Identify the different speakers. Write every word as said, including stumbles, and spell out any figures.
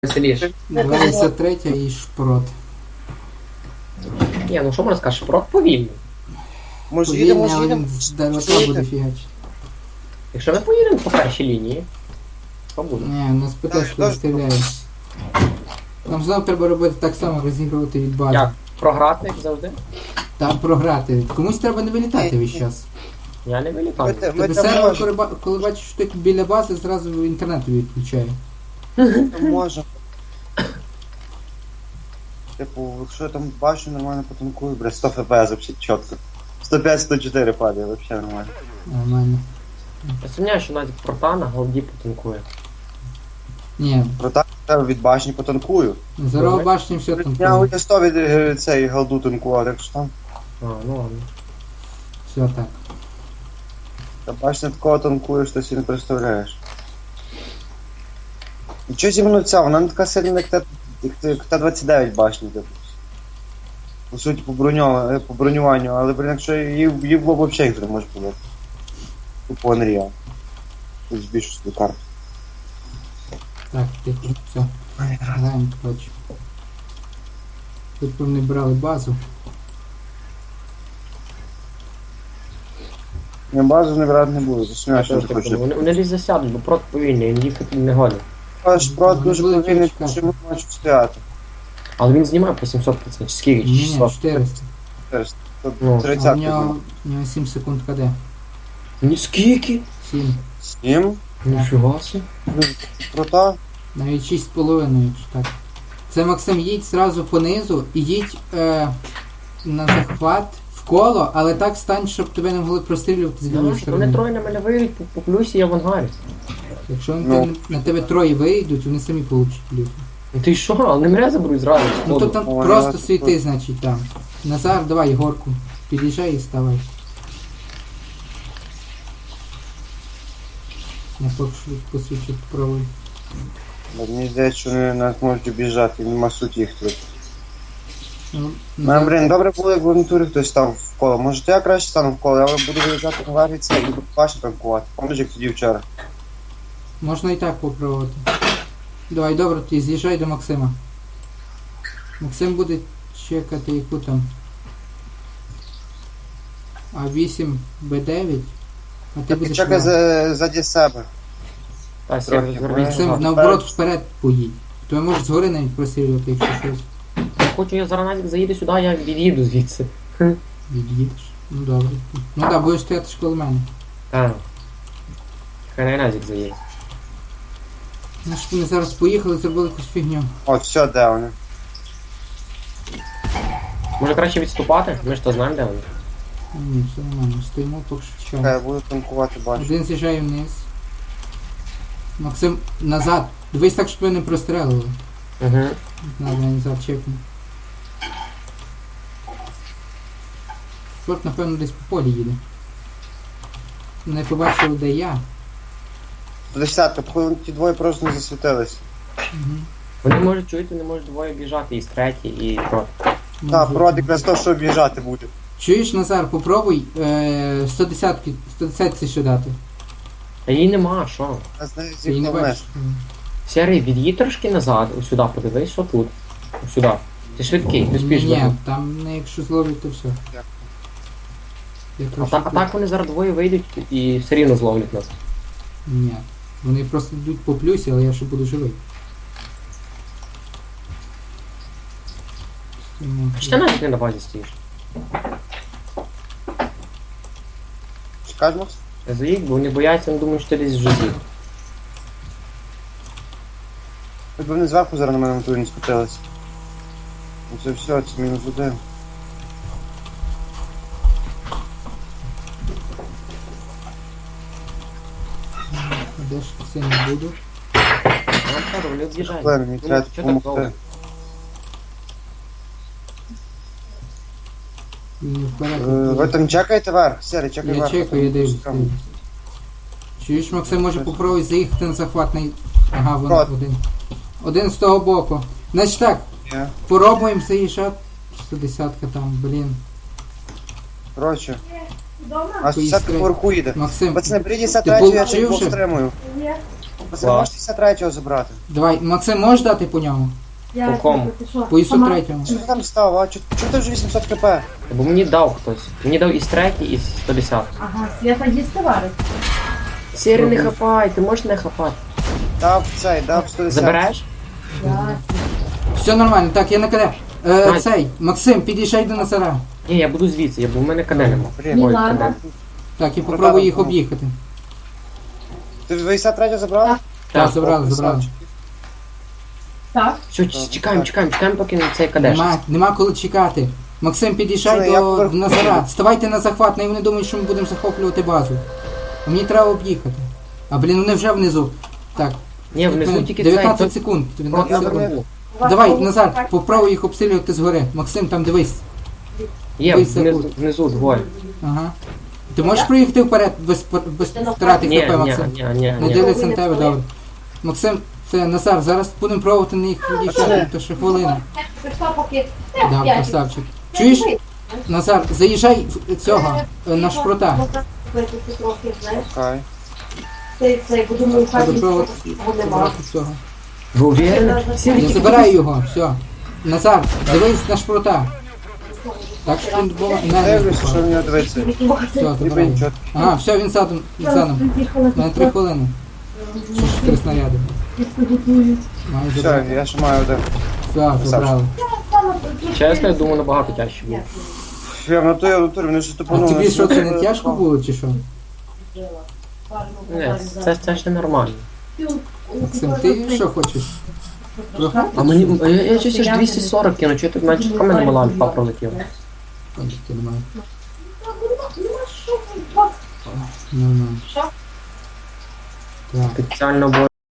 Speaker 1: Веселіше.
Speaker 2: двадцять три і шпрот.
Speaker 1: Ні, ну що можна сказати, шпрот повільний.
Speaker 3: Може їдемо,
Speaker 2: Повільний,
Speaker 3: може
Speaker 2: але
Speaker 3: їдемо.
Speaker 2: він з ДВК буде фігачити.
Speaker 1: Якщо ми поїдемо по першій лінії, то буде.
Speaker 2: Ні, у нас ПТшку виставляє. Нам знову треба робити так само, розігрувати від бази.
Speaker 1: Як? Програти, як завжди?
Speaker 2: Там програти. Комусь треба не вилітати весь час.
Speaker 1: Я не вилітаю.
Speaker 3: Ми те- Ми
Speaker 2: Тобі
Speaker 3: там
Speaker 2: сервер,
Speaker 3: можемо.
Speaker 2: коли, ба- коли бачиш, що ти біля бази, зразу інтернет тобі відключає.
Speaker 3: Можемо. Типу, якщо я там бачу, нормально потанкую, бля, сто еф пі ес вообще чітко. сто п'ять сто чотири падає, вообще нормально.
Speaker 2: Нормально.
Speaker 1: Я сумняю, що навіть прота на голді потанкує.
Speaker 2: Ні,
Speaker 3: Проте я від башні потанкую.
Speaker 2: здорово башні все там.
Speaker 3: Я у сто від е, цієї голду танкував, так що там.
Speaker 1: А, ну ладно.
Speaker 2: Все так.
Speaker 3: Та башня такого танкує, що ти собі не представляєш. І чого зі мною ця, вона не така сильна, як Т- як Т- як Т двадцять дев'ять башні, типу. По суті, по, броньо- е, по бронюванню, але, блін, якщо її, її в лоб взагалі ніхто не може було. Тупо Unreal. Тут збільшу собі карту.
Speaker 2: Так, тихо, все. Граємо, коротше. Тут вони брали базу.
Speaker 3: Я базу не брати не буду, засумію, що
Speaker 1: Я
Speaker 3: не
Speaker 1: теж так думаю.
Speaker 3: хочу.
Speaker 1: Вони, вони десь засядуть, бо прот повільний, він їхати не годен.
Speaker 3: Аж прот дуже
Speaker 2: Вони будуть
Speaker 3: повільний,
Speaker 2: чекати.
Speaker 3: що ми можемо стояти.
Speaker 1: Але він знімає по сімсот тридцять, чи скільки, чи
Speaker 2: Ні,
Speaker 1: шістсот.
Speaker 2: чотириста.
Speaker 1: Ну,
Speaker 2: А у
Speaker 3: тридцять.
Speaker 2: нього, у нього сім секунд КД.
Speaker 1: Ні, скільки?
Speaker 2: сім.
Speaker 3: Сім.
Speaker 1: Ніфіга собі.
Speaker 3: Прота.
Speaker 2: Навіть шість з половиною, якщо так. Це Максим, їдь зразу понизу і їдь е, на захват в коло, але так стань, щоб тебе не могли прострілювати з лівої
Speaker 1: Вони
Speaker 2: сторони.
Speaker 1: троє на мене вийдуть по, по плюсі, я в ангарі.
Speaker 2: Якщо на,
Speaker 3: Ну.
Speaker 2: тебе, на тебе троє вийдуть, вони самі получать плюс.
Speaker 1: Ну ти що, але не мене заберуть зразу.
Speaker 2: Ну то
Speaker 1: сходу.
Speaker 2: там
Speaker 3: Ой,
Speaker 2: просто
Speaker 3: я-
Speaker 2: світи, значить, там. Назар, давай Єгорку. Під'їжджай і ставай. Я поки що посвідчу правий.
Speaker 3: Мені здається, що вони нас можуть обіжати, нема суті їх тут.
Speaker 2: Ну,
Speaker 3: Ну,
Speaker 2: Назар,
Speaker 3: блін, добре було, як в авантурі хтось став в коло. Може, то я краще стану в коло, я буду виїжджати на варі це і буду бачити танкувати. Помніш, як тоді вчора.
Speaker 2: можна і так попробувати. Давай, добре, ти з'їжджай до Максима. Максим буде чекати яку там. А вісім Б дев'ять. А ти
Speaker 3: Ти
Speaker 2: будеш.
Speaker 3: чекай
Speaker 2: на-
Speaker 3: за, заді себе.
Speaker 1: Та,
Speaker 3: трохи,
Speaker 1: Сергій,
Speaker 3: бо
Speaker 1: звернись
Speaker 2: Максим,
Speaker 1: назад.
Speaker 2: наоборот, вперед поїдь. То я можу згори навіть просилювати, якщо щось.
Speaker 1: Я хочу, я зараз навіть заїду сюди, я від'їду звідси.
Speaker 2: Від'їдеш. Ну добре. Ну так, будеш стояти ж коло мене.
Speaker 1: Так. Хай на Назік заїде.
Speaker 2: Ну що ми зараз поїхали, зробили якусь фігню.
Speaker 3: О, все, де вони.
Speaker 1: Може краще відступати? Ми ж то знаємо, де вони.
Speaker 2: Ні, все нормально. Стоїмо, поки що
Speaker 3: Чекай,
Speaker 2: чекаємо.
Speaker 3: я буду танкувати, бачу.
Speaker 2: Один з'їжджає вниз. Максим, назад. Дивись так, щоб ви не прострелили.
Speaker 1: Угу.
Speaker 2: Надо назад чекну. Шорт, напевно, десь по полі їде. Не побачив, де я.
Speaker 3: Десятка, походу ті двоє просто не засвітились.
Speaker 2: Угу.
Speaker 1: Вони можуть чуєте, не можуть двоє біжати, і з третій, і проти.
Speaker 3: Так, прот якраз то, що об'їжджати буде.
Speaker 2: Чуєш, Назар, попробуй е, сто десять, сто десять ще дати.
Speaker 1: А її нема, що?
Speaker 3: Я знаю,
Speaker 2: Ти її не
Speaker 3: зіхнув
Speaker 2: бачиш?
Speaker 1: Сергій, від'їдь трошки назад, ось сюди подивись, що тут. Ось сюди. Ти швидкий, ти
Speaker 2: Ні,
Speaker 1: спіш.
Speaker 2: ні, там не якщо зловлять, то все.
Speaker 3: Як?
Speaker 2: Я
Speaker 1: А,
Speaker 2: трошки
Speaker 1: та, а так вони зараз двоє вийдуть і все рівно зловлять нас.
Speaker 2: Ні. Вони просто йдуть по плюсі, але я ще буду живий. Стоїмо.
Speaker 1: Чи ти навіть не на базі стоїш?
Speaker 3: Чекай, Макс?
Speaker 1: Я заїдь, бо вони бояться, вони думають, що ти десь вже з'їв.
Speaker 3: Хоч би вони зверху зараз на мене на турі не скотились. Ну це все, це мінус один.
Speaker 2: Де ж це не буду?
Speaker 1: Я вам кажу, вони від'їжджають.
Speaker 3: Блин, мені
Speaker 1: Ну,
Speaker 3: треба
Speaker 1: що так довго?
Speaker 3: допомогти.
Speaker 2: Він вперед.
Speaker 3: Е, Ви там чекаєте верх? Сері, чекай
Speaker 2: Я
Speaker 3: верх.
Speaker 2: чекаю, я дивлюсь.
Speaker 3: Там.
Speaker 2: Чуєш, Максим, може попробуй заїхати на захватний. Ага, вон
Speaker 3: Прот.
Speaker 2: один. Один з того боку. Значить так,
Speaker 3: Є.
Speaker 2: пробуємо заїжджати. сто десять там, блін.
Speaker 3: Коротше. А
Speaker 2: Поїсти.
Speaker 3: десятка поверху їде.
Speaker 2: Максим,
Speaker 3: Пацани, прийдіть за
Speaker 2: Ти
Speaker 3: третю, я
Speaker 2: получив
Speaker 3: тут
Speaker 2: вже?
Speaker 3: стримую. Це можеш шістдесят третього забрати.
Speaker 2: Давай, Максим, можеш дати по ньому?
Speaker 1: По кому?
Speaker 2: По ІСу третьому.
Speaker 3: Що ти там став, а? Чого чого ти вже вісімсот хп?
Speaker 1: Бо мені дав хтось. Мені дав із третій, і сто десят.
Speaker 4: Ага, Свята їсти варить.
Speaker 1: Сірі, не хапай, ти можеш не хапати.
Speaker 3: Дав цей, дав сто десят.
Speaker 1: Забереш?
Speaker 4: Я...
Speaker 2: Все нормально, так, я на КД. Е,
Speaker 1: Давай.
Speaker 2: цей, Максим, під'їжджай до Назара.
Speaker 1: Ні, я буду звідси, я, бо в мене кане нема.
Speaker 3: Блін,
Speaker 1: Ой,
Speaker 4: ладно.
Speaker 1: кане.
Speaker 2: Так, я попробую їх
Speaker 3: ну.
Speaker 2: об'їхати.
Speaker 3: Ти вісімдесят третього забрав?
Speaker 4: Так.
Speaker 2: Так,
Speaker 1: Так,
Speaker 2: забрали, забрали.
Speaker 4: Так.
Speaker 1: Все, ч- чекаємо, чекаємо, чекаємо, поки цей кадеш.
Speaker 2: Нема, нема коли чекати. Максим, під'їжджай
Speaker 3: Що, я
Speaker 2: до
Speaker 3: поверху
Speaker 2: Назара.
Speaker 3: їду.
Speaker 2: Ставайте на захват, не вони думають, що ми будемо захоплювати базу. А мені треба об'їхати. А блін, вони вже внизу. Так,
Speaker 1: Ні, внизу тільки цей.
Speaker 2: дев'ятнадцять
Speaker 1: тут-
Speaker 2: секунд.
Speaker 1: От
Speaker 2: дев'ятнадцять
Speaker 1: на
Speaker 2: секунд.
Speaker 1: верху.
Speaker 4: У вас
Speaker 2: Давай,
Speaker 4: повний
Speaker 2: Назар,
Speaker 4: пак.
Speaker 2: попробуй їх обстрілювати згори. Максим, там дивись.
Speaker 1: Є,
Speaker 2: Десять
Speaker 1: внизу,
Speaker 2: секунд.
Speaker 1: внизу двоє.
Speaker 2: Ага. Ти можеш проїхати вперед без, без втрати
Speaker 1: Ні,
Speaker 2: хп,
Speaker 1: ні,
Speaker 2: Максим?
Speaker 1: ні, ні,
Speaker 2: Не
Speaker 1: ні.
Speaker 2: дивляться на тебе, добре. Максим, це Назар, зараз будемо пробувати на їх від'їжджати, то ще хвилина.
Speaker 4: Прийшла поки...
Speaker 2: Да,
Speaker 4: П'ять.
Speaker 2: красавчик. Чуєш, Назар, заїжджай в цього, е, на шпрота.
Speaker 4: Випити трохи, знаєш.
Speaker 3: Окей.
Speaker 4: Цей, цей, бо думаю, хай
Speaker 2: Треба
Speaker 4: нічого
Speaker 2: пробувати
Speaker 4: нема.
Speaker 2: забрати цього.
Speaker 1: Ви уверені? Сірі,
Speaker 2: Я
Speaker 1: тільки
Speaker 2: забираю його, все. Назар, дивись на шпрота. Так що він було не
Speaker 3: Дивлюся, що в нього дивиться.
Speaker 2: Все,
Speaker 3: Ніби
Speaker 2: забираю.
Speaker 3: нічого.
Speaker 2: Ага, все, він задом, задом. У мене три хвилини. Ще чотири снаряди. Маю
Speaker 3: Все,
Speaker 2: забрати.
Speaker 3: я ще маю один.
Speaker 2: Все, забрали.
Speaker 1: Чесно, я думаю, набагато тяжче було.
Speaker 3: Я в натурі, в натурі, вони що
Speaker 2: А
Speaker 3: тупанули.
Speaker 2: тобі що, це не тяжко було чи що?
Speaker 1: Ні, це, це ще нормально.
Speaker 2: Максим, ти що хочеш? Трохи?
Speaker 1: А мені, я, я щось аж двісті сорок кину, чи тут менше в мене мала альфа пролетіла.
Speaker 2: Панчики немає.
Speaker 4: Нема що,
Speaker 2: Ну, ну.
Speaker 4: Що?
Speaker 2: Так.
Speaker 1: Спеціально, бо